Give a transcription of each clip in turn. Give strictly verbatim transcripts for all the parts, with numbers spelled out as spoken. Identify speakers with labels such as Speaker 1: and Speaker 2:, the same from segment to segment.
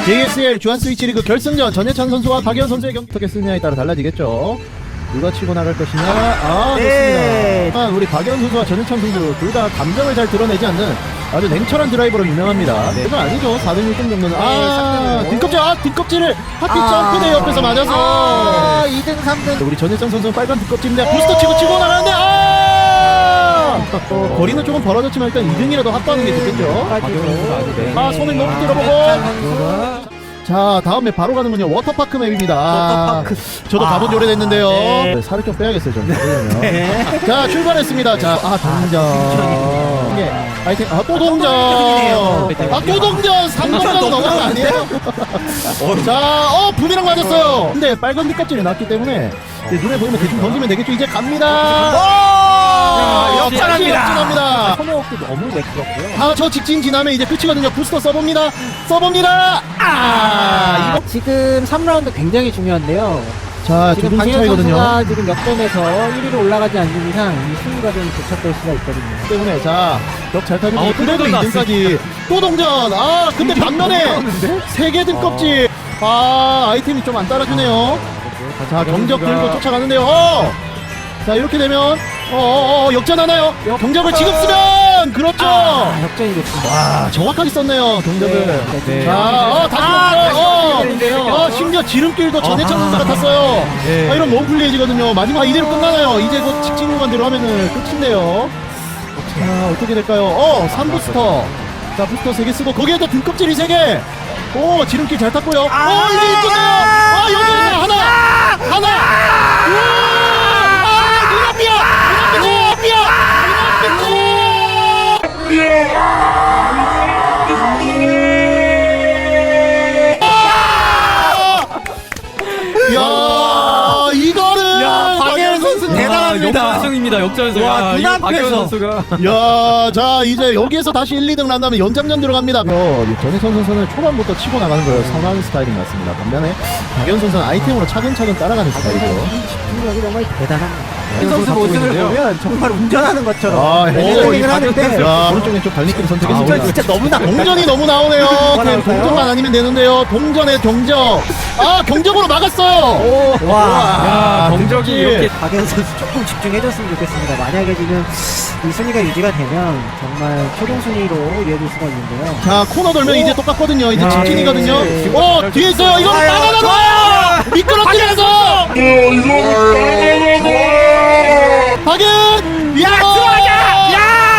Speaker 1: 제이에스엘 주한 스위치 리그 결승전 전예찬 선수와 박예현 선수의 경기 어떻게 쓰느냐에 따라 달라지겠죠. 누가 치고 나갈 것이냐. 아
Speaker 2: 네.
Speaker 1: 좋습니다. 우리 박예현 선수와 전예찬 선수 둘 다 감정을 잘 드러내지 않는 아주 냉철한 드라이버로 유명합니다.
Speaker 2: 네.
Speaker 1: 그건 아니죠. 사 등 일 등 정도는. 아
Speaker 2: 네,
Speaker 1: 뒷껍질 아 뒷껍질을 하필
Speaker 2: 아.
Speaker 1: 점프대 옆에서 맞아서
Speaker 2: 아, 이 등 삼 등.
Speaker 1: 우리 전예찬 선수는 빨간 뒷껍질인데 부스터 치고 치고 나가는데 아 어, 거리는 조금 벌어졌지만 일단 이 등이라도 확보하는 게 좋겠죠. 아 손을 너무 들어보고 자 다음에 바로 가는군요. 워터파크 맵입니다.
Speaker 2: 워터파크.
Speaker 1: 저도
Speaker 2: 아,
Speaker 1: 가본 지 오래됐는데요.
Speaker 2: 네.
Speaker 1: 네, 살을 좀 빼야겠어요 저는.
Speaker 2: 네.
Speaker 1: 자 출발했습니다. 자아 동전. 이게 아이템 아또 동전. 아 또 동전. 삼 번만 넘어간 거 아니에요? 자어 부미랑 맞았어요. 근데 빨간 뒷껍질이 났기 때문에 이제 눈에 보이면 대충 던지면 되겠죠. 이제 갑니다.
Speaker 2: 역전합니다.
Speaker 1: 역전합니다.
Speaker 2: 커머워크 너무 매끄럽고요.
Speaker 1: 아 저 직진 지나면 이제 끝이거든요. 부스터 써봅니다. 써봅니다. 아 이거
Speaker 2: 지금 삼 라운드 굉장히 중요한데요.
Speaker 1: 자 두
Speaker 2: 지금
Speaker 1: 분
Speaker 2: 박예현
Speaker 1: 차이거든요.
Speaker 2: 선수가 지금 역전에서 일 위로 올라가지 않는 이상 이 순위가 좀 교착될 수가 있거든요.
Speaker 1: 때문에 자 벽 잘 타주고
Speaker 3: 아우,
Speaker 1: 그래도
Speaker 3: 또
Speaker 1: 이 등까지 또 동전. 아 근데 반면에 세 개 등껍질. 아 아이템이 좀 안 따라주네요. 자 경적 들고 쫓아가는데요. 어! 자 이렇게 되면 어어어 역전하나요? 경적을 지금 쓰면 그렇죠.
Speaker 2: 아, 역전이 됐습니다.
Speaker 1: 와 정확하게 썼네요 경적을.
Speaker 2: 네.
Speaker 1: 자, 어, 다시
Speaker 2: 아,
Speaker 1: 어,
Speaker 2: 다시
Speaker 1: 어, 어, 심지어 지름길도 전해찬 선수가 탔어요.
Speaker 3: 네.
Speaker 1: 아, 이런 몸플레이지거든요. 마지막 이대로 끝나나요? 이제 곧 직진 구간대로 하면은 끝인데요. 자, 어떻게 될까요? 어, 삼 부스터. 자, 부스터 세 개 쓰고, 거기에도 등껍질이 세 개. 오, 지름길 잘 탔고요. 오, 이제 끝나요. 아, 여기 하나, 하나, 하나. 우와, 아, 눈앞이야, 눈앞이야, 눈앞이야. 야 이거는
Speaker 2: 야, 박예현 선수 대단합니다.
Speaker 3: 역전승입니다. 역전승.
Speaker 2: 와,
Speaker 3: 아, 이거
Speaker 2: 눈앞에서.
Speaker 3: 박예현 선수가
Speaker 1: 야, 자 이제 여기에서 다시 일, 이 등 난다면 연장전 들어갑니다. 어, 전혜선 선수는 초반부터 치고 나가는 걸 선호하는 스타일인 것 같습니다. 반면에 박예현 선수는 아이템으로 차근차근 따라가는 스타일이죠.
Speaker 2: 집중력이 정말 대단합니다. 이
Speaker 3: 선수
Speaker 2: 선수 모습을
Speaker 3: 있는데요.
Speaker 2: 보면 정말 운전하는 것처럼
Speaker 1: 아,
Speaker 2: 헬스링을 하는데
Speaker 1: 야, 오른쪽 왼쪽 발밑길
Speaker 2: 아,
Speaker 1: 선택했습니다.
Speaker 2: 운전 진짜 너무나
Speaker 1: 동전이 너무 나오네요.
Speaker 2: 뭐가
Speaker 1: 그냥
Speaker 2: 나올까요?
Speaker 1: 동전만 아니면 되는데요. 동전의 경적. 아, 경적으로 막았어요.
Speaker 2: 와.
Speaker 3: 야, 경적이
Speaker 1: 그치.
Speaker 3: 이렇게
Speaker 2: 박예현 선수 조금 집중해줬으면 좋겠습니다. 만약에 지금 이 순위가 유지가 되면 정말 최종 순위로 이어질 수가 있는데요.
Speaker 1: 자, 코너 돌면 이제 똑같거든요. 이제
Speaker 2: 야,
Speaker 1: 직진이거든요.
Speaker 2: 예.
Speaker 1: 어, 뒤에 있어요. 이거
Speaker 2: 좋아요,
Speaker 1: 나가나가요. 미끄러뜨려서. 박은. 야, 들어가자.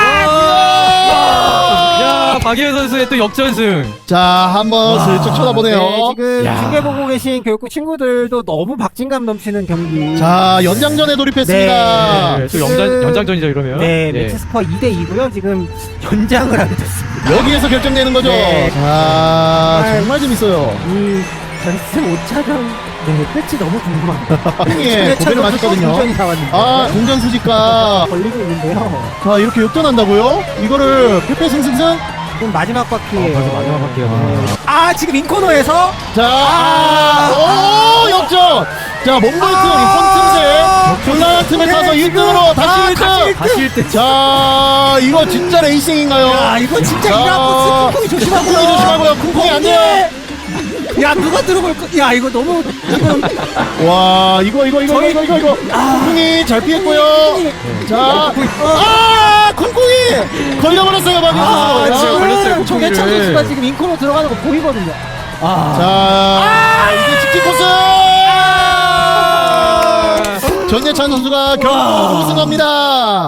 Speaker 3: 야, 박예현 선수의 또 역전승.
Speaker 1: 자, 한번 슬쩍 쳐다보네요.
Speaker 2: 네, 지금
Speaker 3: 야.
Speaker 2: 중계 보고 계신 교육부 친구들도 너무 박진감 넘치는 경기.
Speaker 1: 자, 연장전에 돌입했습니다.
Speaker 3: 네, 또 연장 연장전이죠 이러면.
Speaker 2: 네,
Speaker 3: 예.
Speaker 2: 매치 스코어 이 대 이고요. 지금 연장을 하게 됐습니다.
Speaker 1: 여기에서 결정되는 거죠.
Speaker 2: 네.
Speaker 1: 자, 정말 재밌어요.
Speaker 2: 이 결승 오 차전 네, 끝이 너무 궁금합니다.
Speaker 1: 예, 고배를 맞았거든요.
Speaker 2: 동전이 나왔는데
Speaker 1: 아, 동전 수집가.
Speaker 2: 걸리고 있는데요.
Speaker 1: 자, 이렇게 역전한다고요? 이거를 페페승승승?
Speaker 2: 지금 마지막 바퀴예요.
Speaker 3: 벌써 마지막 바퀴가
Speaker 2: 네. 아, 지금 인코너에서
Speaker 1: 자, 아, 오, 역전! 자, 몽골 틈, 이 틈새, 곤란한 틈에 타서 일 등으로 다시 일 등!
Speaker 3: 다시 일 등.
Speaker 1: 자, 이거 진짜 레이싱인가요?
Speaker 2: 야, 이거 진짜
Speaker 1: 자,
Speaker 2: 이라고 쿵쿵이 조심하고요.
Speaker 1: 쿵쿵이 조심하고요. 쿵쿵이 안 돼요.
Speaker 2: 야, 누가 들어볼 거? 야, 이거 너무 지금
Speaker 1: 와, 이거, 이거, 이거,
Speaker 2: 저희-
Speaker 1: 이거, 이거, 이거. 쿵쿵이 잘 피했고요. 자,
Speaker 3: 쿵쿵이.
Speaker 1: 아, 쿵쿵이! 걸려버렸어요, 박윤
Speaker 2: 아,
Speaker 1: 선수.
Speaker 3: 지금 걸렸어요, 쿵쿵이를.
Speaker 2: 정해찬 선수가 지금 인코너 들어가는 거 보이거든요. 아,
Speaker 1: 자, 이제 직진 코스! 전예찬 선수가 결국 우승합니다.